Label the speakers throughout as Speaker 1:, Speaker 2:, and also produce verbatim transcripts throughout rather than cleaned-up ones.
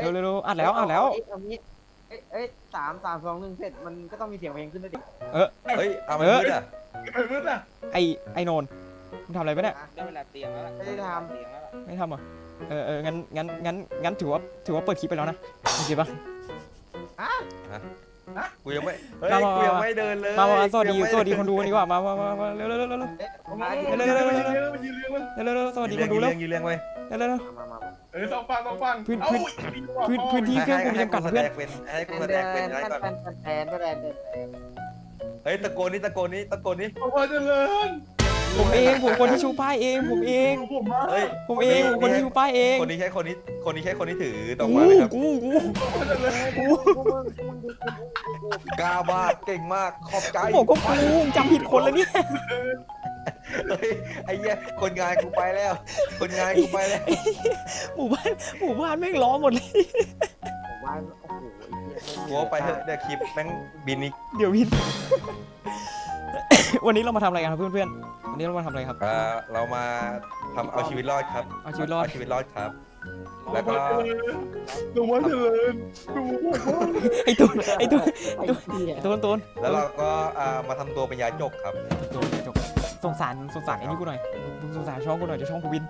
Speaker 1: ร็วเร็วอัดแล้วอัดแล้ว
Speaker 2: เอางี้เอ้ยเอ้ยสามสามสองหนึ่งเสร็จมันก็ต้องมีเสียงเพลงขึ้นด้วยดิ
Speaker 1: เออ
Speaker 3: เฮ้ยเอาไปมืดอ่ะ
Speaker 4: ไปมืดอ่ะ
Speaker 1: ไอไอโนนมึงทำอะไรไปเนี่ย
Speaker 5: ได้เวลาเตียงแล้วล่ะ
Speaker 2: ไม่ได้ท
Speaker 5: เตียงแล้วล่ะ
Speaker 1: ไม่ทำเหรอเออเอองั้นงั้นงั้นงั้นถือว่าถือว่าเปิดคลิปไปแล้วนะโอเคปะ
Speaker 3: กูยังไม่เฮ้ย
Speaker 1: มามา
Speaker 3: กูยังไม่เดินเลย
Speaker 1: มามาสวัสดี
Speaker 3: กูยังไม่
Speaker 1: สวัสดีคนดูกันดีกว่ามามามามาเร็วเร็วเร็วเร็วเร็ว
Speaker 2: ำเอ๊ะผม
Speaker 4: มา
Speaker 2: มา
Speaker 4: ยื
Speaker 2: ดิ
Speaker 4: นเลี้ยงมันยืนเลี้ยงมัน
Speaker 1: เร็วเร็วสวัสดี
Speaker 3: ยื
Speaker 1: คน นดู
Speaker 3: เลี้
Speaker 1: แล้
Speaker 3: ยว งยืนเลี้ยงไว้
Speaker 1: เร็วเร็วเร็ว
Speaker 2: มามามา
Speaker 4: เออสองฝั่งสองฝั่ง
Speaker 1: พื้น
Speaker 4: เอ้า
Speaker 1: พื้น พื้นที่เครื่องกูมีจำกัด
Speaker 3: ให้
Speaker 1: เพื่อน
Speaker 3: เป็นให้กู
Speaker 2: แท
Speaker 3: แส
Speaker 2: น
Speaker 3: ด
Speaker 2: แท
Speaker 3: งเป็น
Speaker 2: น
Speaker 3: อะไรก่อน
Speaker 2: แทนแทนแทนแทน
Speaker 3: เฮ้ยตะโกนนี่ตะโกนนี่ตะโกนนี่
Speaker 4: ขอพรเจริญ
Speaker 1: ผมเองผมคนที่ชูป้ายเองผมเอง
Speaker 4: ผมมา
Speaker 3: เฮ้ย
Speaker 1: ผมเองผมคนที่ชูป้ายเอง
Speaker 3: คนนี้ใช่คนนี้คนนี้ใช่คนที่ถือดอก
Speaker 1: กู
Speaker 3: ไม้ไหมครับ
Speaker 1: กูกู
Speaker 4: ขอพรเจริญ
Speaker 1: กู
Speaker 3: กล้ามากเก่งมากขอบใจ
Speaker 1: บอกก็กูจำผิดคนแล้วเนี่ย
Speaker 3: เฮ้ยไอ้เหี้ยคนงานกูไปแล้ว คนงานกูไปแล้ว
Speaker 1: หมู่บ้านหมู่บ้านแม่งล้อหมดเลย
Speaker 2: ผมว่าโอ้โหไอ้เหี้ย
Speaker 3: กูเอาไปเถอะเดี๋ยวคลิปแม่งบินอีก
Speaker 1: เดี๋ยววิน วันนี้เรามาทำอะไรกันครับเพื่อนๆวันนี้เรามาทำอะไรครับ
Speaker 3: อ่าเรามาทำเอาชีวิตรอดครับ
Speaker 1: เอาชีวิตรอด
Speaker 3: เอาชีวิตรอดครับ
Speaker 4: ขอ
Speaker 3: แล้ว
Speaker 4: พ
Speaker 3: ก็
Speaker 4: รเจริญหลวงพ่อเจริญหลวงพ่อ
Speaker 1: ไอ้ตูนไอ้ตูน
Speaker 2: ไอ้เหี้ย
Speaker 1: ไอ้ตูนตูน
Speaker 3: แล้วเราก็อ่ามาทำตัวเป็นยาจกครับ
Speaker 1: ตูนจบสงสารสงสารไอ้นี่กูหน่อยมึงสงสารช่องกูหน่อยเดี๋ยวช่องกูวิน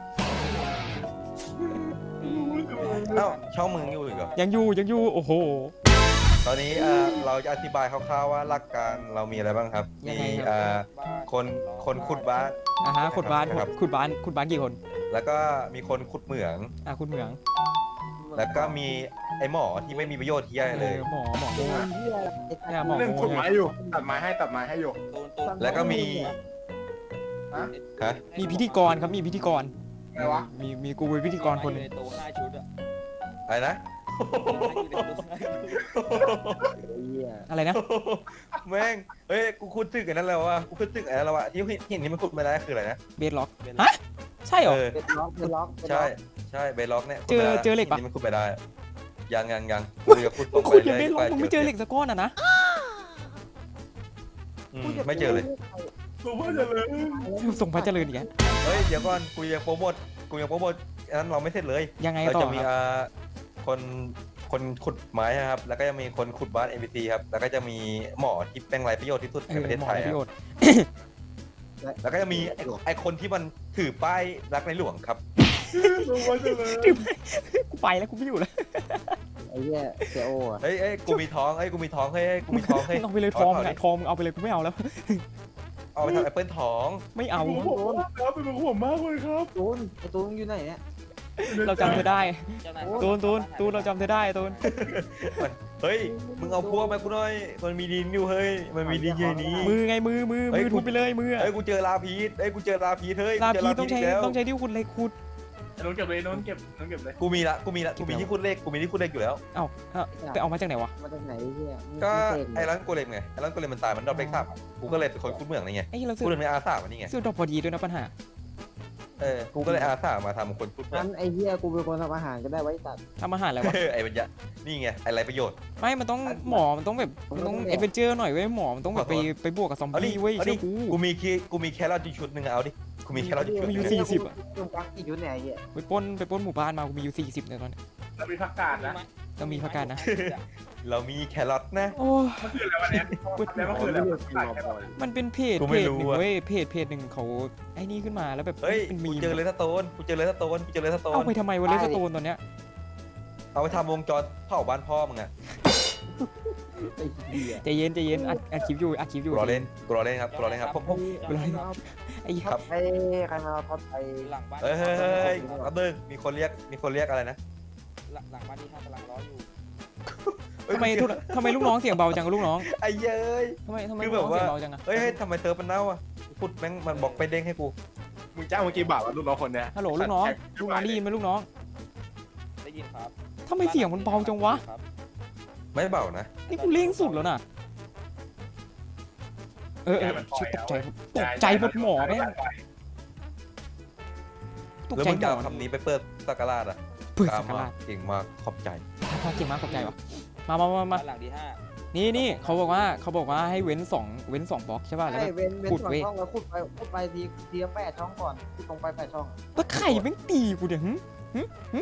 Speaker 3: เอ้าช่องมึงอยู่อีกเหรอ
Speaker 1: ยังอยู่ยังอยู่โอ้โห
Speaker 3: ตอนนี้อ่าเราจะอธิบายคร่าวๆว่าหลักการเรามีอะไรบ้างครับ
Speaker 1: ยัง
Speaker 3: มี
Speaker 1: ไงครับ
Speaker 3: อ่าคนคนขุดบ้าน
Speaker 1: อ่ะฮะขุดบ้าน
Speaker 3: ครับ
Speaker 1: ขุดบ้านขุดบ้านกี่คน
Speaker 3: แล้วก็มีคนขุดเหมือง
Speaker 1: อ่ะขุดเหมือง
Speaker 3: แล้วก็มีไอหมอที่ไม่มีประโยชน์ที่ใหญ่เลย
Speaker 1: ออหมอหมอ
Speaker 2: โอ้ยเหี้ยไอ้
Speaker 1: เนี่ยหมอ
Speaker 4: เล่นกฎหมายอยู่ตัดไม้ให้ตัดไม้ให้อยู่
Speaker 5: ตูนตูน
Speaker 3: แล้วก็มี
Speaker 4: ฮะ
Speaker 3: ฮะ
Speaker 1: มีพิธีกรครับมีพิธีกร
Speaker 4: อะไรวะ
Speaker 1: มีมีกูเป็นพิธีกรคนหนึ่ง
Speaker 5: อยู่ในตู้ห้าชุดอะ
Speaker 3: อะไรนะ
Speaker 5: อยู่ในตู้ห้าชุด
Speaker 2: ไอ้เหี้ย
Speaker 1: อะไรนะ
Speaker 3: แม่งเฮ้ยกูคุดตึกอันนั้นแล้ววะกูคุดตึกอันนั้นแล้ววะที่เห็นที่มันขุดไม่ได้คืออะไรนะ
Speaker 1: เบสล็อกฮะใช่เหรอ
Speaker 3: เออ
Speaker 2: เป็นล็อกเป็นล็อกเป็นล็
Speaker 3: ใช่
Speaker 2: อก
Speaker 3: ใช่เบล็อกเนี่ย
Speaker 1: เจอเจอเหล็กปะ
Speaker 3: ที่มันขุดไปได้ยังยังยังกูจะขุดต
Speaker 1: มึ
Speaker 3: รง ง
Speaker 1: ขุด
Speaker 3: ไป
Speaker 1: ยังเบสล็อก
Speaker 3: รื่
Speaker 1: มึงไม่เจอเหล็กสักก้อนอ่ะนะ
Speaker 3: อืมไม่เจอเลย
Speaker 4: หลวงพ่อเจริญ
Speaker 1: ส่งพระเจริญอีกแล้ว
Speaker 3: เฮ้ยเดี๋ยวก่อนกูยังโปรโมทกูยังโปรโมทอันนั้นเราไม่เสร็จเลย
Speaker 1: ยังไง
Speaker 3: เรา
Speaker 1: ต่อ
Speaker 3: จะมี
Speaker 1: ครับ
Speaker 3: อ่าคนคนขุดไม้นะครับ แล้วก็จะมีคนขุดบ้าน เอ็ม บี ซี ครับ แล้วก็จะมีหมอที่เป็นไรประโยชน์ที่สุด
Speaker 1: เอ
Speaker 3: ใน
Speaker 1: อ
Speaker 3: ประเทศ
Speaker 1: หมอ
Speaker 3: ไทย
Speaker 1: ได้ประโย
Speaker 3: ครับ
Speaker 1: ชน์
Speaker 3: แล้วก็จะมีไอ้ไอคนที่มันถือป้ายรักในหลวงครับ
Speaker 4: หลวงพ่อเจริญ
Speaker 1: กูไปแล้วกูไม่อยู่แล้ว
Speaker 2: ไอ้เหี้ยเสียโอ้อะ
Speaker 3: เฮ้ยเอ้ยกูมีท้องเฮ้ยกูมีท้องเฮ้ยเฮ้ยกูมีท้องเฮ้
Speaker 1: มึ
Speaker 3: ย
Speaker 1: งเอาไปเลยทองอะทองมึงเอาไปเลยกูไม่เอาแล้ว
Speaker 3: เอาไปทำแอปเปิลท้อง
Speaker 1: ไม่เอา
Speaker 4: เป็นผมมากครับเป็นผมมากเลยครับ
Speaker 2: ตูนไอ้ตูนอยู่ไหนเนี่ย
Speaker 1: เราจำเธอได้
Speaker 5: เจ้านาย
Speaker 1: ตูนตูนตูนเราจำเธอได้ตูน
Speaker 3: เฮ้ยมึงเอาพวกมากูหน่อยมันมีดินอยู่เฮ้ยมันมีดินอยู่นี้
Speaker 1: มือไงมือมือ
Speaker 3: เฮ้
Speaker 1: มื
Speaker 3: ย
Speaker 1: อทุบไปเลยมืออะ
Speaker 3: เฮ้ยกูเจอลาพีชเฮ้ยกูเจอลาพีชเฮ้ย
Speaker 1: ลา
Speaker 3: กูเจ
Speaker 1: พีต้องใช้
Speaker 3: กแล้ว
Speaker 1: ต้องใช้ที่ขุดเหล็กขุด
Speaker 4: น้องเก็บเลยน้องเก็บน้องเก็บเลย
Speaker 3: กูมีละกูมีละกูมีที่ขุดเลขกูมีที่ขุดเลขอยู่แล้ว
Speaker 1: เอ้าเอ้าไปเอามาจากไหนวะ
Speaker 2: มาจากไหนไอ้เหี้ยมึง
Speaker 3: ก็
Speaker 2: เสก
Speaker 3: ไอ้ร้านโกเลมไงไอ้ร้านโกเลมมันตายมันดรอปเลขสามอะกูก็เลยเป็นคนขุดเหมืองนี่ไง
Speaker 1: ไอ้เราซื้อ
Speaker 3: กูเลยเป็นอาสามันนี่ไง
Speaker 1: ซื้อดอกพอดีด้วยนะปัญหา
Speaker 3: เออกูก็เลยอาสามาทำคนขุดเหมือ
Speaker 2: งั้
Speaker 3: ง
Speaker 2: นไอ้เหี้ยกูเป็นคนทำอาหารก็ได้ไว้ตัด
Speaker 1: ทำอาหารอะไรวะ
Speaker 3: เออไอ้ปัญญานี่ไงไอ้ไรประโยชน์
Speaker 1: ไม่ มันต้องหมอ มันต้องแบบ มันต้อง
Speaker 2: มันต้อง
Speaker 1: เอเวนเจอร์หน่อยเว้ยหมอ มันต้องแบบไปไปบวกกับซอม
Speaker 3: เอาดิ
Speaker 1: บี้เว้ย
Speaker 3: เอาดิ
Speaker 1: เชื่อกู
Speaker 3: กูมีคีกูมีแครอทอยู่ชุดหนึ่งอะเอาดิกูมีแครอทอยู่ชุดห
Speaker 1: มีอยู่
Speaker 3: นึ่ง
Speaker 1: สี่สิบอะ
Speaker 2: ตรงกลางกี่ชุดเนี่ยไอ้เหี้ย
Speaker 1: ไปปล้นไปปล้นหมู่บ้านมา กูมีอยู่สี่สิบเนี่ยตอนนี้
Speaker 4: เรามีผักกาดนะ
Speaker 1: ต้องมีประกันนะ
Speaker 3: เรามีแครอทนะ
Speaker 1: โอ้
Speaker 4: มันคืออะไรวะเนี่ยแล้วมันคืออะไรผักกาดแค่ไหน
Speaker 1: มันเป็นเพจ
Speaker 3: กู
Speaker 1: เพ
Speaker 3: ไม่
Speaker 1: จ
Speaker 3: รู้
Speaker 1: หนึ่ง
Speaker 3: อะ
Speaker 1: เว้ย เพจเพจหนึ่งเขาไอ้นี่ขึ้นมาแล้วแบบ
Speaker 3: เฮ้ย
Speaker 1: เป็นมี
Speaker 3: กู
Speaker 1: ม
Speaker 3: เจอเลสโตนกูเจอเลสโตนกูเจอเลสโต
Speaker 1: เอา
Speaker 3: น
Speaker 1: ไปทำไมวะเลสโตนตอนเนี้ย
Speaker 3: เอาไปทำวงจรเผาบ้านพ่อมึงอะ
Speaker 2: ไอ้เหี้ย
Speaker 1: ใจเย็นใจเย็นอัดอัดคลิปอยู่อัดคลิปอยู่
Speaker 3: กูรอเล่นกูรอเล่นครับกูรอเล่นครับผมผม
Speaker 1: เวลาไอ้
Speaker 3: ครับ
Speaker 2: ไอ้ใครมาทอดไอ้
Speaker 5: หลังบ้าน
Speaker 3: เฮ้ยเฮ้ยเฮ้ยเฮ้ยอับเบิ้งมีคนเรียกมีคนเรียกอะไรนะ
Speaker 5: หลังหลังบ้านที่ห้ากำลังร้ออยู่
Speaker 1: ทำไมทุกทำไมลูกน้องเสียงเบาจังลูกน้อง
Speaker 3: ไอ้เย้ย
Speaker 1: ทำไมทำไม
Speaker 3: คือ
Speaker 1: ลูก
Speaker 3: แบบ
Speaker 1: น้อง
Speaker 3: ว่า
Speaker 1: เสียงเบาจังอะ
Speaker 3: เฮ้ยเฮ้ยทำไมเซิร์ฟมันเน่าอ่ะพูดแม่งมันบอกไปเด้งให้กู
Speaker 4: มึงจ้างเมื่อกี้บาทว่าลูกน้องคนเนี้ย
Speaker 1: ฮัลโหลลูกน้องลูกน้องได้ยินไหมลูกน้อง
Speaker 5: ได้ยินครับ
Speaker 1: ทำไมเสียงมันเบาจังวะ
Speaker 5: ครับ
Speaker 3: ไม่เบานะ
Speaker 1: นี่กูเร่งสุดแล้วน่ะ เออเออชิบตกใจตกใจหมดหมอแม่งตก
Speaker 3: แล้ว
Speaker 1: ใจ
Speaker 3: มึง
Speaker 1: หม
Speaker 3: จะ
Speaker 1: อ
Speaker 3: เอาคำนี้ไปเปิดสักการาดอ่ะ
Speaker 1: เพื่อ
Speaker 3: ตา
Speaker 1: สั
Speaker 3: ม
Speaker 1: กการะ
Speaker 3: มาเก่งมากขอบใจ
Speaker 1: พาเก่งมากขอบใจวะมามามามา
Speaker 5: บ้านหลังที่ห้า
Speaker 1: นี่นี่เขาบอกว่าเขาบอกว่าให้เว้นสองเว้นสองบล็อกใช่ป่ะแล้ว
Speaker 2: ไอ้
Speaker 1: แบบ
Speaker 2: เว้นเว้น
Speaker 1: ขุด
Speaker 2: สอง
Speaker 1: เว้ย
Speaker 2: ช่องแล้วขุดไปขุดไปทีทีละแปดช่องก่อนขุดลงไปแปดช่อง
Speaker 1: แล้วไข่แม่งตีกูเดี๋ยวหึหึหึหึ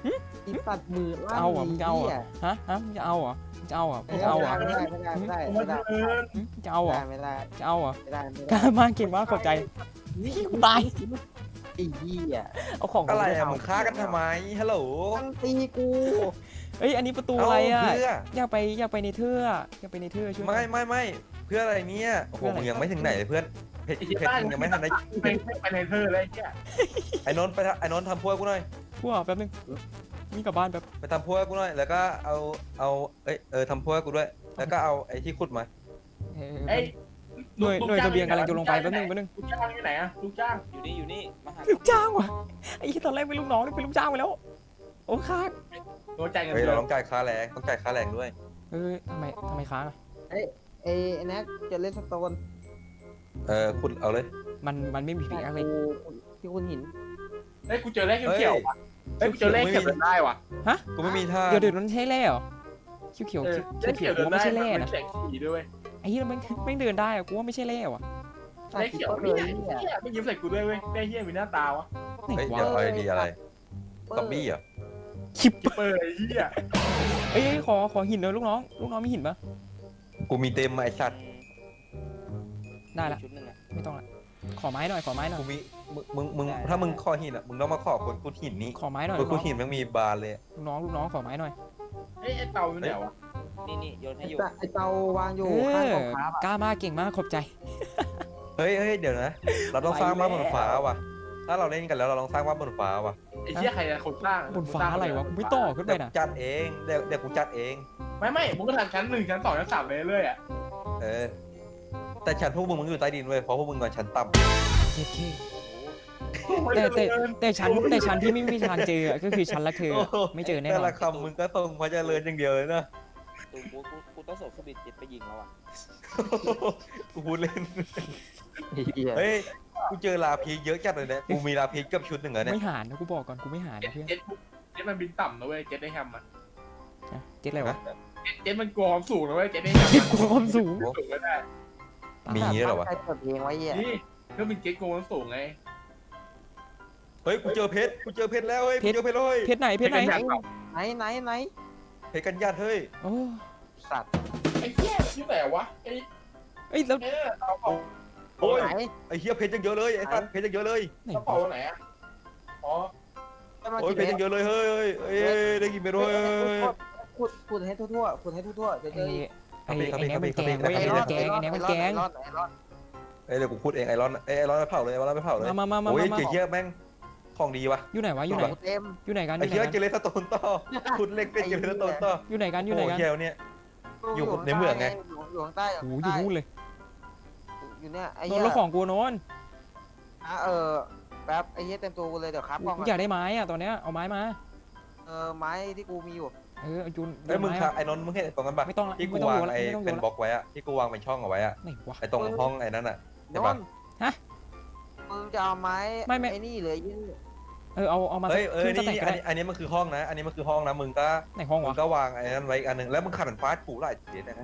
Speaker 2: อีสัตว์มือ
Speaker 1: จะเอาเหรอมึงจะเอาเหรอฮะฮะมึงจะเอาเหรอมึงจะเอาเหรอมึงจะเอาเหรอ
Speaker 2: ไม่ได้ไม่ได้ไม่ได้
Speaker 4: ผม
Speaker 2: ไม่
Speaker 4: ว่า
Speaker 2: ได้
Speaker 4: เจริญ
Speaker 1: หึจะเอาเหรอ
Speaker 2: ไม่ได้
Speaker 1: จะเอาเหรอ
Speaker 2: ไม่ได้ไม่
Speaker 1: กล้า
Speaker 2: ได้
Speaker 1: มากเก่งมากขอบใจกูตาย
Speaker 2: ไอ้เหี้ย
Speaker 1: เอาของ
Speaker 3: อะไร
Speaker 1: กู
Speaker 3: อะมึงฆ่ากันทำไมฮัลโหล
Speaker 2: มันตีกู
Speaker 1: เอ้ยอันนี้ประตูอะไรอ่ะ
Speaker 3: เาเพื่อ
Speaker 1: อยากไปอยากไปในเทือกอยากไปในเทือกช่วยหน่
Speaker 3: ไม่
Speaker 1: อย
Speaker 3: ไม่ไม่เพื่ออะไรเนี่ยโอ้โห
Speaker 1: เพื่ออะไร
Speaker 3: มึงยังไม่ถึงไหนเลยเพื่อนเพชร
Speaker 4: ไอ้ที่
Speaker 3: เพชร
Speaker 4: บ้าน
Speaker 3: มึงยังไม่ทันได้
Speaker 4: ไปไปในเธอเลยไอ้เหี้ย
Speaker 3: ไอ้นนท์ไปทำไอ้นนท์ทำพวกกูหน่อย
Speaker 1: พวกแป๊บนึงนี่กลับบ้านแป๊บ
Speaker 3: ไปทำพวกกูหน่อยแล้วก็เอาเอาเอ้ยเออทำพวกกูด้วย แล้วก็เอาไอ้ที่ขุดมา
Speaker 1: เออ
Speaker 4: ไอ้
Speaker 1: หน่วยหน่วยเสบียงกำลังจะลงไปแป๊บนึงแป๊บนึง
Speaker 4: ลูกจ้างอยู่ไหนอะลูกจ้าง
Speaker 5: อยู่นี่อยู่นี่มาหา
Speaker 1: ลูกจ้างว่ะไอ้ที่ตอนแรกเป็นลูกน้องนี่เป็นลูกจ้างไปแล้วโอ้ค้าง
Speaker 4: โดนจ่ายเงิน
Speaker 3: เฮ้ย
Speaker 4: เดือ
Speaker 3: เรา
Speaker 4: น
Speaker 3: ต้องจ่ายค่าแรงต้องจ่ายค่าแรงด้วย
Speaker 1: เออทำไมทำไมค้างอะ
Speaker 2: ไอ้ไอ้แน็กจะเล่นสโตน
Speaker 3: เออขุดเอาเลย
Speaker 1: มันมันไม่มีผีอะไร
Speaker 2: กูที่คุณหิน
Speaker 4: เฮ้ยกูเจอเลขเขียวๆว่ะเฮ้ยกูเจอเลขเขียวเดินได้ว่ะ
Speaker 3: กูไม่มีท่า
Speaker 1: เดี๋ยวเดี๋ยวนั้นใช่แร่เหรอเขียวเขียว
Speaker 4: เออ
Speaker 1: เขียว
Speaker 4: เลข
Speaker 1: เขี
Speaker 4: เขี
Speaker 1: ย
Speaker 4: ยว ว
Speaker 1: กู
Speaker 4: เดิน
Speaker 1: ว่า
Speaker 4: ได้
Speaker 1: ไม่ใช่แร่
Speaker 4: มัน
Speaker 1: นะ
Speaker 4: แสงสีด้วย
Speaker 1: ไอ้ที่มันไม่เดินได้อะกูว่าไม่ใช่แร่ว่ะ
Speaker 4: เลขเขียว
Speaker 2: เล
Speaker 4: นี่
Speaker 2: ย
Speaker 4: ไง
Speaker 2: เนี่ย
Speaker 4: เหี้ยไม่ยิ้มใส่กูด้วยเว้ยได้เหี้ยมีหน้าตาวะ
Speaker 1: ไหน
Speaker 3: เฮ้ยว
Speaker 1: ะ
Speaker 3: เดี๋ยวเอาไอเดียอะไรซอมบี้เหรอ
Speaker 1: คิป
Speaker 4: เปิดไอ้เหี้ย
Speaker 1: เอ้ยขอขอหินหน่อยลูกน้องลูกน้องมีหินปะ
Speaker 3: กูมีเต็มมาไอ้สัตว์
Speaker 1: ได้ละ
Speaker 5: ชุดหนึ่งอะ
Speaker 1: ไม่ต้องละขอไม้หน่อยขอไม้หน่อย
Speaker 3: กูมีมึงมึงมึงถ้ามึงขอหินอ่ะมึงต้องมาขอคนขุดหินนี้
Speaker 1: ขอไม้หน่อย
Speaker 3: ค
Speaker 1: ลู
Speaker 3: น
Speaker 1: ก
Speaker 3: ขุ
Speaker 1: น้
Speaker 3: ด
Speaker 1: อง
Speaker 3: หินมันมีบานเลย
Speaker 1: ลูกน้องลูกน้องขอไม้หน่อย
Speaker 4: เฮ้ยไอ้เต่าอยู่ไหนวะ
Speaker 5: นี่นี่โยนให้อยู่
Speaker 2: ไอ้เตาวางอยู่
Speaker 1: เอ
Speaker 2: ข้าง
Speaker 1: อก
Speaker 2: องค้าอ่ะ
Speaker 1: กล้ามากเก่งมากขอบใจ
Speaker 3: เฮ้ยเฮ้ยเดี๋ยวนะ เราต้องสร้างบ้านบนฟ้าว่ะ ถ้าเราเล่นกันแล้วเราลองสร้างบ้านบนฟ้าว่ะ
Speaker 4: ไอ้เหี้ยใครจะคนสร้าง
Speaker 1: บนฟ้าอะไรวะกูไม่ต่อขึ้นไป
Speaker 3: เดี๋ยว
Speaker 1: นะ
Speaker 3: กูจัดเองเดี๋ยวเดี๋ยวกูจัดเอง
Speaker 4: ไม่ไม่มึงก็ทำชั้นหนึ่งชั้นสองชั้นสามไปเรื่อยๆอ่ะ
Speaker 3: เออ แต่ชั้นพวกมึงมันอยู่ใต้ดินเว้ยเพราะพวกมึงนอนชั้นต่
Speaker 1: เท่แต่แต่แต่ชั้นแต่ชั้นที่ไม่มีทางเจออะก็คือชั้นละเธออะไม่เจอ
Speaker 3: ำ
Speaker 1: แน่
Speaker 3: แต่
Speaker 1: นอ
Speaker 3: ละ
Speaker 1: น
Speaker 3: คำมึงก็ตรงพระเจริญอย่างเดียวเลยนะ
Speaker 5: ตูกูกูกูต้องส่งเครื่องบินเจ็ตไปยิงแล้วอ่ะ
Speaker 3: กูพูดเล่น
Speaker 2: ไอ้เหี้ย
Speaker 3: เฮ้ย กูเจอลาพีเยอะจัดเลยเนี่ยกูมีลาพีเกือบชุดหนึ่งอะเนี่ย
Speaker 1: ไม่หานนะกูบอกก่อนกูไม่หาน
Speaker 4: เจ็ด
Speaker 1: นะเพื่อน
Speaker 4: เจ็ดเจ็ดมันบินต่ำนะเว้ยเจ็ดได้แฮมอ่ะ
Speaker 1: นะเจ็ดอะไรวะ
Speaker 4: เจ็ดมันกลัวความสูงนะเว้ยเจ็ดได้แฮม
Speaker 1: เจ็ดกูความสูง
Speaker 4: สูงไม่ได้
Speaker 3: มีด้วยเหรอวะ
Speaker 2: ใครเปิดเพลงไว้เหี้ย
Speaker 4: นี่เครื่องบินเจ็ดกลัวความสูงไง
Speaker 3: เฮ้ย กูเจอเพชร กูเจอเพชรแล้วเฮ้ย กูเจอเพชรเลย
Speaker 1: เพชรไหนเพชรไหน
Speaker 4: เพชรไหน
Speaker 2: ไหนไหนไหน
Speaker 3: เพชรกันญาติเฮ้ย
Speaker 1: โอ้
Speaker 2: สัตว์
Speaker 4: ไอ้เหี้ยที่ไหนวะไอ้
Speaker 1: เอ้ยแล้ว
Speaker 4: เอ๊ะเอาเป๋า
Speaker 3: โอ้ย
Speaker 2: ไหน
Speaker 3: ไอ้เฮียเพชรยังเยอะเลยไอ้สัตว์เพชรยังเยอะเลย
Speaker 1: ไหน
Speaker 4: กระเป๋าว
Speaker 1: ะ
Speaker 4: ไหนอ่ะอ๋อ
Speaker 3: โอ้ยเพชรยังเยอะเลยเฮ้ยเฮ้ยเฮ้ยเฮ้ยได้กินเม็ดเฮ้ยเฮ้ยเฮ้ย
Speaker 2: ขุดขุดให้ทั่วๆขุดให้ทั่วๆจะเจ
Speaker 1: ไอ้
Speaker 2: อ
Speaker 1: ไอ้
Speaker 3: ครับ
Speaker 1: ไอ้
Speaker 3: ครับ
Speaker 1: แน็กมัน
Speaker 3: ครับ
Speaker 1: แกงเว้ย
Speaker 3: ค
Speaker 1: ไอ้
Speaker 3: รับ
Speaker 1: แน็กแกงไอ้แน็กมันแกง
Speaker 2: ไอ้รอดไอ้รอด
Speaker 3: เอ้ยเดี๋ยวกูพูดเองไอรอนเอ้ยไอรอนไปเผาเลยไอรอนไปเผาเลย
Speaker 1: มามามา
Speaker 3: โอ้ย
Speaker 1: มามา
Speaker 3: เจี๊ยบแม่งของดีว่ะ
Speaker 1: อยู่ไหนวะอยู่ไหน
Speaker 2: เต็ม
Speaker 1: อยู่ไหนกันอ
Speaker 3: ไอ้
Speaker 1: ยู่ไหน
Speaker 3: เหี้ย
Speaker 1: กัน
Speaker 3: เจเลสโตนต่อคุณเล็กเป็นเจเลสโตนต่อ
Speaker 1: อยู่ไหนกันอยู่ไหน
Speaker 3: โอ้
Speaker 1: กัน
Speaker 3: เหี้ยเนี่ย อยู่ในเมืองไง
Speaker 2: อยู่ข้างใต้
Speaker 1: โอ้โหอยู่นู่นเลย
Speaker 2: อยู่เนี่ยไอ้
Speaker 1: โน
Speaker 2: เหี้
Speaker 1: น
Speaker 2: ย
Speaker 1: แล้วของกูโนน
Speaker 2: อ่ะเออแป๊บไอ้เหี้ยเต็มตัวกูเลยเดี๋ยวครับกล้อง
Speaker 1: กูอยากได้ไม้อะตอนเนี้ยเอาไม้มา
Speaker 2: เออไม้ที่กูมีอยู่
Speaker 1: เออเอายุน
Speaker 3: ไอ้ยมึง
Speaker 1: ไม้
Speaker 3: ครับไอ้นนท์มึงเห็นตรงนั้นปะ
Speaker 1: ไม่ต้องละ
Speaker 3: ที่กู
Speaker 1: ไม่ต้อง
Speaker 3: วาง
Speaker 1: ดูละ
Speaker 3: ไอ้
Speaker 1: ไม่ต้องดู
Speaker 3: เป็น
Speaker 1: ละ
Speaker 3: บล็อกไว้อะที่กูวางเป็นช่องเอาไว้อะ
Speaker 1: ไหนวะ
Speaker 3: ไอ้ตรงห้องไอ้นั่นอะ ใช่ปะ
Speaker 2: นนท์
Speaker 1: ฮะ
Speaker 2: มึงจะเอาไม้
Speaker 1: ไม่ไม่
Speaker 2: ไอ้นี่เลยยี่
Speaker 1: เออเอาเอามา
Speaker 3: เฮ้ยเออ
Speaker 1: ขึ้นส
Speaker 3: นี่
Speaker 1: แต็กก็
Speaker 3: อัน
Speaker 1: ได้
Speaker 3: นี้อันนี้มันคือห้องนะ อันนี้มันคือห้องนะมึงก็
Speaker 1: ไหนห้อง
Speaker 3: มึ
Speaker 1: วะ
Speaker 3: งก็วางไอ้นั่นไว้อีกอันหนึงแล้วมึงขัดมันฟาดกูหลายทีนะ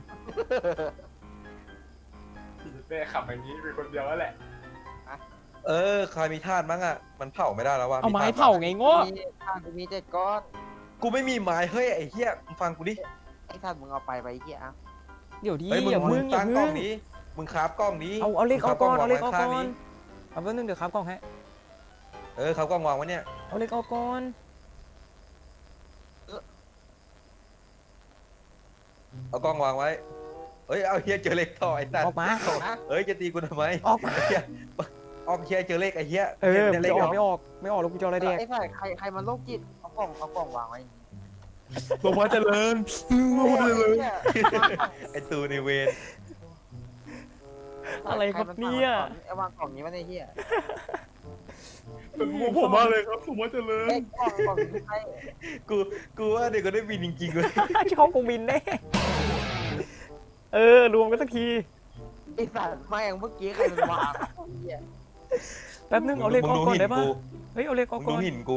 Speaker 4: แม่ขับอย่างนี้เป็นคนเดียวแล้วแหละ
Speaker 3: เออใครมีธาตุมั้งอะมันเผาไม่ได้แล้วว่ะ
Speaker 1: เอาไม้
Speaker 3: ธตุ
Speaker 1: เผาไงโง่
Speaker 2: มีข้างกูมีเจ็ดก้อน
Speaker 3: กูไม่มีไม้เฮ้ยไอ้เหี้ยมึงฟังกูดิ
Speaker 2: ไอ้ท่านมึงเอาไปไปไอ้เหี้ยอ่ะ
Speaker 1: เดี๋ยวดี
Speaker 3: เฮ้ยมึง
Speaker 1: อย่า
Speaker 3: มึ
Speaker 1: พึ่
Speaker 3: ง
Speaker 1: งอย่า
Speaker 3: ตั้งกล้
Speaker 1: พึ่
Speaker 3: อง
Speaker 1: ง
Speaker 3: นี้มึงคราฟกล้องนี้
Speaker 1: เอาเอาเล็กเอาก่อนเอาเล็กเอา
Speaker 3: มึงค
Speaker 1: ก่
Speaker 3: ราฟ
Speaker 1: อน
Speaker 3: วางไว้ข้าง
Speaker 1: เอาแป๊บนึงเดี๋ยวครับกล่องให้
Speaker 3: เออคราฟกล้องวางไว้เนี่ย
Speaker 1: เอาเล็กเอาก่อน
Speaker 3: เอากล้องวางไว้เฮ้ยเอาเฮียเจอเลขต่อไอ้สัต
Speaker 1: อ
Speaker 3: ว์
Speaker 1: อกมา
Speaker 3: เฮ้ยจะตีกูทำไม
Speaker 1: ออกมา
Speaker 3: เฮียออกเฮียเจอเลขไอ้เฮีย
Speaker 1: เออ
Speaker 3: เจ
Speaker 1: มัน
Speaker 3: เลข
Speaker 1: จะออก
Speaker 3: เหร
Speaker 1: ไม่ออกไม่ออกแล้วกูจะเอาอะไรแดก
Speaker 2: ไอ้ท่านใครใครมันโรคจิตเอากล่องเอากล่องวางไว้
Speaker 4: หลวงพ่อเจริญ
Speaker 2: โอ้ยไอ้เหี้ย
Speaker 3: ไอ้ตูในเวร
Speaker 1: อะไรครับเนี่ย
Speaker 2: ไอ้วางกล่องนี้ไว้ในเหี้ย
Speaker 4: เป็นงูผมมากเลยครับหลวงพ่อเจริญ
Speaker 2: ไอ้กล่องกล่องนี้ใคร
Speaker 3: กูกูว่าเด็กก็ได้บินจริงๆเลย
Speaker 1: ช่องกูบินแน่เออรวมกันสักที
Speaker 2: ไอ้สัตว์แม่งเมื่อกี้ใครมันวางไอ้เหี้ย
Speaker 1: แป๊บนึงเอาเล็ก
Speaker 3: มึ
Speaker 1: เอา
Speaker 3: งดู
Speaker 1: ก่อน
Speaker 3: หิน
Speaker 1: ได้ปะ
Speaker 3: กู
Speaker 1: เฮ้ยเอาเล็ก
Speaker 3: มึ
Speaker 1: เอา
Speaker 3: ง
Speaker 1: ก่
Speaker 3: ดู
Speaker 1: อน
Speaker 3: หินกู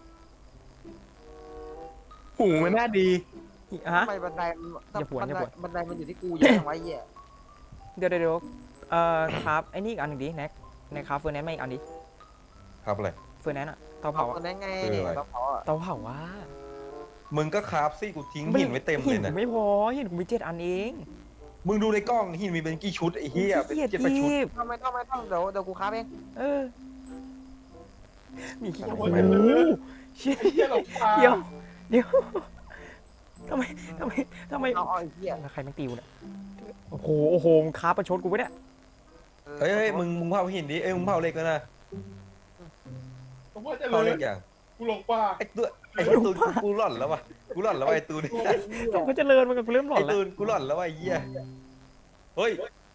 Speaker 4: หูมันน่าดี
Speaker 1: ฮะ
Speaker 2: ทำไมบันไดมัน
Speaker 1: อย่าผวน
Speaker 2: บัน
Speaker 1: อย่า
Speaker 2: ได
Speaker 1: ผวน
Speaker 2: บันไดมันอยู่ที่กูเยอะจังวะไอ้เหี้ย
Speaker 1: เดี๋ยวเดี๋ยวเดี๋ยวเอ่อครับไอ้นี่อีกอันหนึ่งดิแน็กในคราฟเฟอร์แนนซ์มาอีกอันดิ
Speaker 3: ครับอะไร
Speaker 1: เฟอร์แนนซ์อะเตาเผา
Speaker 2: เอา
Speaker 1: อะ
Speaker 2: คนนั้นไง
Speaker 3: คืออะไร
Speaker 2: ต้องเผาอ่ะ
Speaker 1: เตาเผาว่า
Speaker 3: มึงก็คราฟสิกูทิ้งหินไว้เต็มเลย
Speaker 1: หิน
Speaker 3: นะ
Speaker 1: กูไม่พอหินกูมีเจ็ดอันเอง
Speaker 3: มึงดูในกล้องหินมีเป็นกี่ชุดไอ้เหี้ยเป็น
Speaker 1: เกียด
Speaker 3: เจ็ดแปดชุด
Speaker 1: ทีบ
Speaker 2: ทำไมต้องไม่ต้องเดี๋ยวเดี๋ยวกูค้าเอง
Speaker 1: เออมีขี้
Speaker 4: โอ้
Speaker 1: โอ้
Speaker 4: โห
Speaker 1: โหเชี่ย
Speaker 4: ไอ้เหี้ยหลงป่า
Speaker 1: เดี๋ยวเดี๋ยวทำไมทำไมทำไม
Speaker 2: เอาเอาไอ้เหี้ย
Speaker 1: แล้วใครแม่งตีกูเนี่ยโอ้โหโอ้โหมึงค้าประชดกูปะเนี่ย
Speaker 3: เฮ้ยเฮ้ยมึงมึงเผาหินดิเอ้ยมึงเผาเหล็กแล้วนะ
Speaker 4: ผมว่าจะ
Speaker 3: เผา
Speaker 4: เล
Speaker 3: เหล็
Speaker 4: ย
Speaker 3: กอย่าง
Speaker 4: กูหลงป่า
Speaker 3: ไอ้ตัวไอ้ตูนกูกูหล่อนแล้ววะกูหล่อนแล้ววะไอ้ตูน
Speaker 1: ผมก็เจริญมันกับกูเริ่มหลอ
Speaker 3: ไอ้
Speaker 1: นแล้ว
Speaker 3: ตูนกูหล่อนแล้ววะไอ้เหี้ยเฮ้ย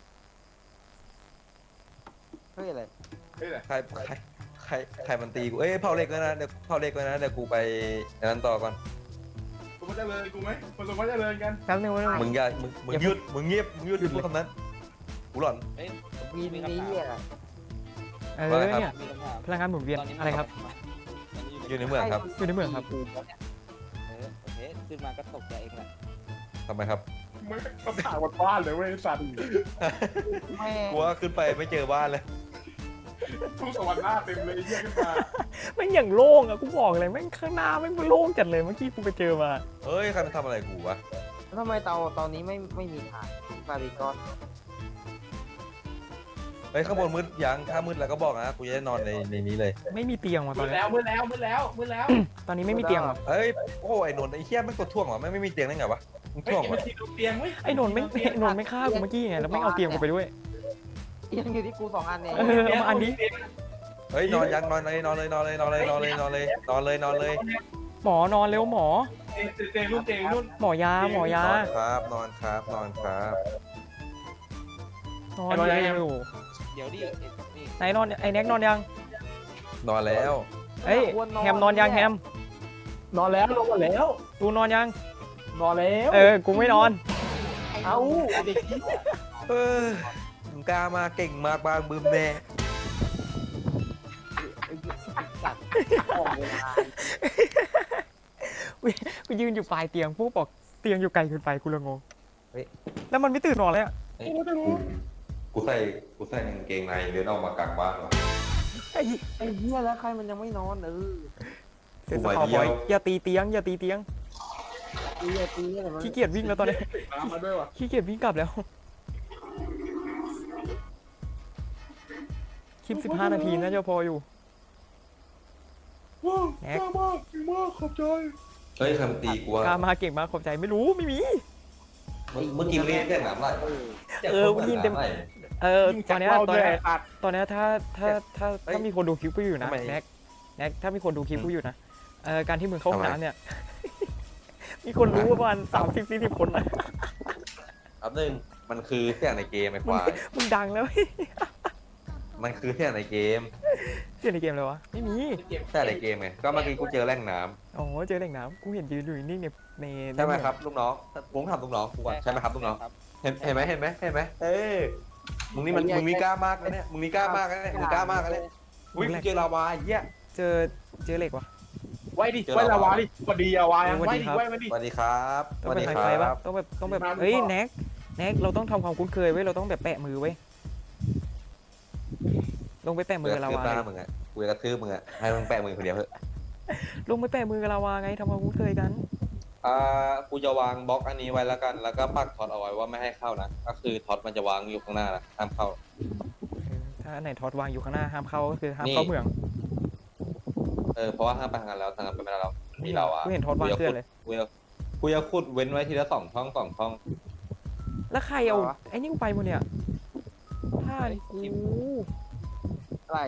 Speaker 2: เฮ้ยอะไร
Speaker 4: เฮ้ยแหละ
Speaker 3: ใครใครใครใครมันตีกูเอ้ยเผาเหล็กแล้วนะเดี๋ยวเผาเหล็กแล้วนะเดี๋ยวกูไปอันนั้นต่อก่อน
Speaker 4: กูว่าจะเลยกูไหมผสมว่าจะเลยกัน
Speaker 1: แป๊บนึงแป๊บนึง
Speaker 3: มึงอย่ามึงมึงหยุดมึงเงียบมึงหยุด
Speaker 1: หยุด
Speaker 3: พูดคำนั้นกูหล่อน
Speaker 5: เอ้ย
Speaker 2: วีนนี้เหี้ย
Speaker 1: เออ
Speaker 3: ว่าไงครับ
Speaker 1: เนี่ย
Speaker 5: มีคำถาม
Speaker 1: พลังงานหมุนเวียน
Speaker 5: ตอนนี้
Speaker 1: อะไรครับ
Speaker 3: อยู่ในเมืองครับ
Speaker 1: อยู่ในเมืองครับ
Speaker 5: เออโอเคขึ้นมาก็ตกใจเองแหละ
Speaker 3: ทำไมครับ
Speaker 4: ไม่ต้องถามบ้านเลยเว้ยสัตว์
Speaker 2: แม่
Speaker 3: กูว่าขึ้นไปไม่เจอบ้านเลย
Speaker 4: ทุ่งสวรรค์หน้าเต็มเลยไอ้เหี้ยขึ้นมา
Speaker 1: แม่งอย่างโล่งอะกูบอกเลยแม่งข้างหน้าแม่งโล่งจัดเลยเมื่อกี้กูไปเจอมา
Speaker 3: เฮ้ยใครมาทำอะไรกูวะ
Speaker 2: ทำไมเตาตอนนี้ไม่ไม่มีฐานฟาริกอน
Speaker 3: เฮ้ยข้างบนมืดยังถ้ามืดแล้วก็บอกนะกูจะได้นอนในในนี้เลย
Speaker 1: ไม่มีเตียงว่ะต
Speaker 4: มื
Speaker 1: อน
Speaker 4: ด
Speaker 1: นี้
Speaker 4: แล้วมืดแล้วมืดแล้วมืดแล้ว
Speaker 1: ตอนนี้ไม่มีเตียงว่ะ
Speaker 3: เฮ้ยโอ้ไอ้นนท์ไอ้เหี้ยไม่กดท่วงเหรอไม่ไม่มีเตียงได้ไงวะมึง
Speaker 4: เฮ้ย
Speaker 3: ท่วง
Speaker 4: กิน
Speaker 3: เหร
Speaker 4: มา
Speaker 3: อ
Speaker 4: ทีดูเตียงเว้ย
Speaker 1: ไอ้นนท์ไม่ไอ้นนท์ไม่ฆ่ากูเมื่อกี้ไงแล้วไม่เอาเตียงกูไปด้วย
Speaker 2: ยังอยู่ที่กูสองอันเนี่ย
Speaker 1: เออเอามาอันนี้
Speaker 3: เฮ้ยนอนยังนอนเลยนอนเลยนอนเลยนอนเลยนอนเลยนอนเลยนอนเลยนอนเลย
Speaker 1: หมอนอนเร็วหมอ
Speaker 4: เตียงเตียงรุ่นเตียงรุ่น
Speaker 1: หมอยาหมอยาน
Speaker 3: อนครับนอนครับนอนครับ
Speaker 1: นอนเร็ว
Speaker 5: เดี๋ยวดิเอ็ดนี่
Speaker 1: ไหนนอนไอ้แน็กนอนยัง
Speaker 3: นอนแล้ว
Speaker 1: เฮ้ยแฮมนอนยังแฮม
Speaker 4: นอนแล้วนอนแล้ว
Speaker 1: ตูนอนยัง
Speaker 4: นอนแล้ว
Speaker 1: เออกูไม่นอน
Speaker 4: เอ้าเด็ก
Speaker 3: เออมึงกล้ามาเก่งมากบางบึมแน่
Speaker 2: ไอ้เหี้ยสัตว์ออกเวลา
Speaker 1: กูยืนอยู่ปลายเตียงพวกบอกเตียงอยู่ไกลเกินไปกูเลยงงแล้วมันไม่ตื่นนอนเลยอะ
Speaker 4: กูจะรู้
Speaker 3: กูใส่กูใส่กางเกงในเดินออกมากลางบ้านวะ
Speaker 1: ไอ้
Speaker 2: ไอ้เหี้ยแล้วใครมันยังไม่นอนเออ
Speaker 1: เสร็จ
Speaker 3: กู
Speaker 1: ส
Speaker 3: ไป
Speaker 1: คอ
Speaker 3: เที่
Speaker 1: บ
Speaker 3: ยว
Speaker 1: อยอย่าตีเตียงอย่าตีเตียง
Speaker 2: ตีอะตีอะไรมัน
Speaker 1: ขี้เกียจวิ่งแล้วตอนนี้
Speaker 4: ตามมาด้วยว่ะ
Speaker 1: ขี้เกียจวิ่งกลับแล้วคลิปสิบห้านาทีน่าจะพออยู่
Speaker 4: ว้าว
Speaker 1: แน็ก
Speaker 4: มากมากมากขอบใจ
Speaker 3: เฮ้ยใครมาตีกูวะ
Speaker 1: กล้ามาเก่งมากขอบใจไม่รู้ไม่มี
Speaker 3: เมื่อกี้มันเรียกเรียกหนามไร
Speaker 1: เออกูได้ยินเต็ม เออตอนเนี้ยตอนเนี้ยตอนเนี้ยถ้าถ้าถ้าถ้ามีคนดูคลิปกูอยู่นะแน็กแน็กถ้ามีคนดูคลิปกูอยู่นะเออการที่มึงเข้าห้องน้ำเนี่ย มีคนรู้ประมาณสามสิบสี่สิบคนนะ
Speaker 3: อันหนึ่งมันคือเสียงในเกมไอ้ควาย
Speaker 1: มึงดังแล้ว
Speaker 3: มันคือเสียงในเกม
Speaker 1: เสียงในเกมเลยวะไม่มี
Speaker 3: เสียงในเกมไงก็เมื่อกี้กูเจอแร่งน้
Speaker 1: อ๋อเจอแหล่งน้ำกูเห็นยืนอยู่นิ่งๆในใน
Speaker 3: ำใช่ไหมครับลูกน้องผมถามลูกน้องกูก่อนใช่ไหมครับลูกน้อง
Speaker 5: ครับ
Speaker 3: เห็นเห็นไหมเห็นไหมเห็นไหมเอ้ยมึงนี่มันมึงนี่กล้ามากนะเนี่ยมึงนี่กล้ามากนะเนี่ยมึงกล้ามากนะเนี่ยอุ้ยกูเจอลาวาไอ้เหี้ย
Speaker 1: เจอเจอเหล็กวะ
Speaker 4: ไว้ดิไว้ละวาดิสวัสดีอะวายังไว้ดิไว้มาดิ
Speaker 3: สวัสดีครับส
Speaker 1: ต้อง
Speaker 3: วัส
Speaker 1: เป็น
Speaker 3: ดี
Speaker 1: ไฮ
Speaker 3: ค
Speaker 1: ไฟ
Speaker 3: รั
Speaker 1: ปะ
Speaker 3: บ
Speaker 1: ต้องแบบต้องแบบ
Speaker 4: มาดู
Speaker 1: เฮ้ย
Speaker 4: ก่อน
Speaker 1: แน็กแน็กเราต้องทำความคุ้นเคยไว้ยเราต้องแบบแปะมือไว้ยลงไปแปะมื
Speaker 3: มื
Speaker 1: อ
Speaker 3: อ
Speaker 1: กับ
Speaker 3: กระ
Speaker 1: ลา
Speaker 3: ทืบ
Speaker 1: วา
Speaker 3: หน้ามึงอ่ะกูจะกระทืบมึงอ่ะให้มึงแปะมือคนเดียวเถอะ
Speaker 1: ลงไปแปะมือกับลาวาไงทำความคุ้นเคยกัน
Speaker 3: อ่ากูจะวางบล็อกอันนี้ไว้แล้วกันแล้วก็ปักท็อตเอาไว้ว่าไม่ให้เข้านะก็คือท็อตมันจะวางอยู่ข้างหน้านะห้ามเข้า
Speaker 1: เออถ้าอันไหนทอดวางอยู่ข้างหน้าห้ามเข้าก็คือห้าม
Speaker 3: นี่
Speaker 1: เข้าเมือง
Speaker 3: เออเพราะว่าห้ามไปทางนั้นแล้วทางนั้นไปไม่ได้แล้วมีเราอ่ะ
Speaker 1: กูเห็นทอดวางเสื้อเลย
Speaker 3: กูจะกูจะขุดเว้นไว้ทีละสองช่องสองช่อง
Speaker 1: แล้วใครเอาไอ้นี่กูไปหมดเนี่ยท่านกู
Speaker 2: อะไร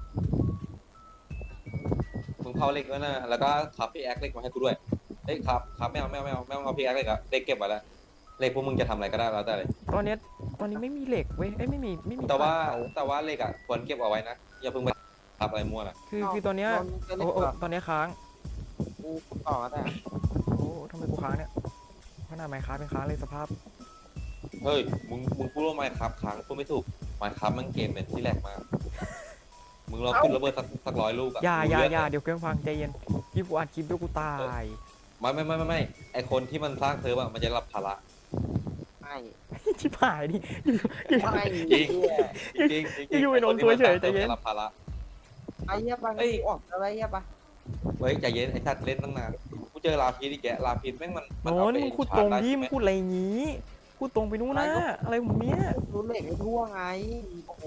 Speaker 3: มึงเผาเหล็กไว้นะแล้วก็ขับพี่แอคเหล็กมาให้กูด้วยเฮ้ยครับครับไม่เอาไม่เอาไม่เอาไม่เอาเอาพี่แอคเหล็กอะเหล็กเก็บไว้แล้วเหล็กพวกมึงจะทำอะไรก็ได้แล้วแต่เลย
Speaker 1: ตอนเนี้ยตอนนี้ไม่มีเหล็กเว้ยเอ้ยไม่มีไม่มี
Speaker 3: แต่ว่า
Speaker 1: เผ
Speaker 3: แต่ว่าเหล็กอะควรเก็บเอาไว้นะอย่าเพิ่งไปทับอะไรมั่วนะ
Speaker 1: คือคือตอนเนี้ย
Speaker 2: นอนกัน
Speaker 1: โอ้
Speaker 2: ดีก
Speaker 1: โอ้
Speaker 2: ว่า
Speaker 1: ตอนเนี้ยค้าง
Speaker 2: กูต่อก็ได้
Speaker 1: โอ้ทำไมกูค้างเนี่ยขนาดไมค์ค้างเป็นค้างเลยสภาพ
Speaker 3: เฮ้ยมึงมึงพูดว่าไมค์ครับค้างพูดไม่ถูกไมค์ครับมันเกมเป็นที่แหลกมากมึงลองขึ้นระเบิดสักสักร้อยลูกอะ
Speaker 1: อย่าอย่า
Speaker 3: รู้
Speaker 1: อย่าเดี๋ยวเครื่องพังใจเย็นยี่กูอัดคลิปด้วยกูตาย
Speaker 3: ไม่ไม่ไม่ไม่ไม่ไอคนที่มันสร้างเซิร์ฟอะมันจะรับภาระ
Speaker 2: ไม่
Speaker 1: ชิบหายดิอยู่อยู่
Speaker 2: ไม่
Speaker 3: จริง
Speaker 2: เหี้ย
Speaker 3: จริงจริงจริง
Speaker 1: อยู่ไอ้นนท์ตัวเฉยใจเย็น
Speaker 3: จะรับภาระ
Speaker 2: ไอ้เหี้ยปะออกอะไรเหี้ยปะ
Speaker 3: เฮ้ยใจเย็นไอ้สัตว์เล่นตั้งนานกูเจอลาพีดอีกแกลาพีดแม่งมัน
Speaker 1: โน้
Speaker 3: เอา
Speaker 1: น
Speaker 3: ไป
Speaker 1: มึงพูด
Speaker 3: ชา
Speaker 1: ตร
Speaker 3: ร์
Speaker 1: ง
Speaker 3: จได้
Speaker 1: ดิ
Speaker 3: ใช่
Speaker 1: มึ
Speaker 3: ไหม
Speaker 1: งพูดอะไรอย่างงี้พูดตรงไปนู้นนะอะไรของมึงเนี้ย
Speaker 2: รู้เหล็กไม่ทั่วไงโอ้โห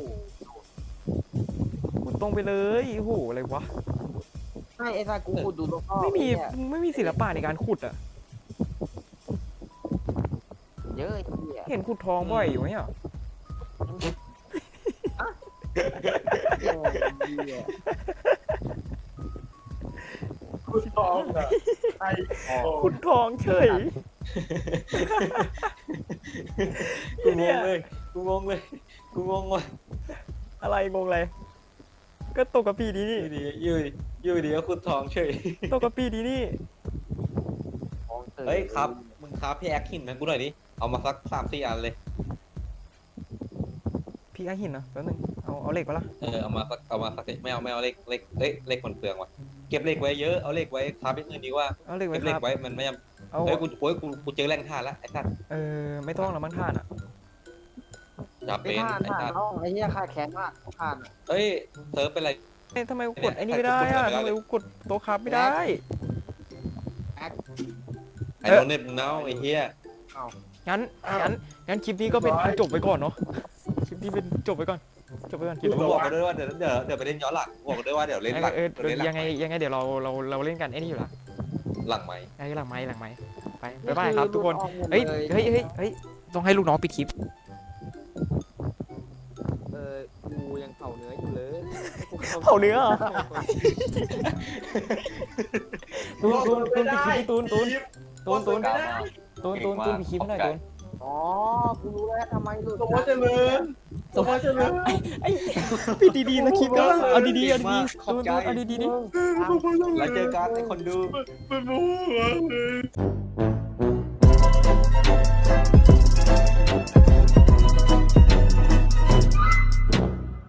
Speaker 1: พูดตรงไปเลยโอ้โหอะไรวะ
Speaker 2: ไม่ไอ้ตากูขุดดูตัวพ่อ
Speaker 1: ไม่มี
Speaker 2: เนี่ย
Speaker 1: มึงไม่มีศิลปะในการขุดอ่ะ
Speaker 2: เยอะไอ้เหี้ย
Speaker 1: เห็นขุดทองบ่อยอยู่ไหมอ่ะ
Speaker 2: เหี้ย
Speaker 4: คุณทองอ่ะไอ้ทอง
Speaker 1: ขุดทองเฉย
Speaker 3: กูงงเลยกูงงเลยกูงงว่ะ
Speaker 1: อะไรงงอะไรก็ตกกระปีดีนี่
Speaker 3: อยู่ดีอยู่ดีอยู่ดีก็คุณทองเฉย
Speaker 1: ตกกระปีดีนี่
Speaker 2: ของเตย
Speaker 3: เฮ้ยครับมึงครับพี่แอคหินนะกูหน่อยดิเอามาสักสามสี่อันเลย
Speaker 1: พี่ไอหินเหรอแป๊บนึงเอาเอาเหล็กปะล่ะ
Speaker 3: เออเอามาสักเอามาสักไม่เอาไม่เอาเลขเลขเลขเลขคนเปลืองว่ะเก็บเลขไว้เยอะเอาเลขไว้ครับเป็นเงินดีกว่า
Speaker 1: เอาเหล็กไว้
Speaker 3: เก็บเล
Speaker 1: ค
Speaker 3: ข
Speaker 1: รับ
Speaker 3: ไว้มันไม่ย
Speaker 1: เอา
Speaker 3: ำเฮ้ยกูโอ้ยกูกูเจอแรงท่าแล้วไอ้สัตว์
Speaker 1: เออไม่ต้องแล้วมั้งท่านอ่ะ
Speaker 3: จับ
Speaker 2: ไอ้
Speaker 3: เป็น
Speaker 2: ท่าน
Speaker 3: ไอ้
Speaker 2: ท่าน
Speaker 3: สัตว์
Speaker 2: น้องไอ้เหี้ยขาดแขนมากท่าน
Speaker 3: เฮ้ยเซิร์ฟเป็นไร
Speaker 1: เอ๊ะทำไมกูกดไอ้นี่ไม่ได้อ่ะทำไมกูกดโต๊ะครับไม่ได้
Speaker 3: ไอ้โดนเน็ตมึงเนาไอ้เหี้ย
Speaker 1: งั้นงั้นงั้นคลิปนี้ก็เป็นจบไปก่อนเนาะคลิปนี้เป็นจบไปก่อนจบไปก่อนคลิป
Speaker 3: มึงบอกกันด้วยว่าเดี๋ยวเดี๋ยวเดี๋ยวไปเล่นย้อนหลังบอกกันด้วยว่าเดี๋ยวเล่นหลัง
Speaker 1: เออ
Speaker 3: เดี๋ยวเล่นหลั
Speaker 1: ยังไงยังไงเดี๋ยวเราเราเราเล่นกันไอ้นี่อยู่ละ
Speaker 3: หลังไหม
Speaker 1: ไอ้หลังไม้หลังไม้ไปบ๊ายบายครับทุกคนเฮ้ยเฮ้ยเฮ้ยเฮ้ยต้องให้ลูกน้องปิดคลิป
Speaker 2: เออกูยังเผาเนื้ออยู่เลย
Speaker 1: เผาเนื้อเหรอตูนตูนตูนปิดคลิปดิตูนตูนตูนตูนตูนตูนตูนปิดคลิปหน่อยตูน
Speaker 2: อ๋อกูรู้แล้วทำไมหลุด
Speaker 4: สมมติเจริญสมมติเจริญ
Speaker 1: ปิดดีๆแล้วคลิปก็เอาดีๆเอาดีๆตูนตูนเอาดีๆดิ
Speaker 3: แล้วเจอกันไอ้คนดู
Speaker 4: เป็นมูเลย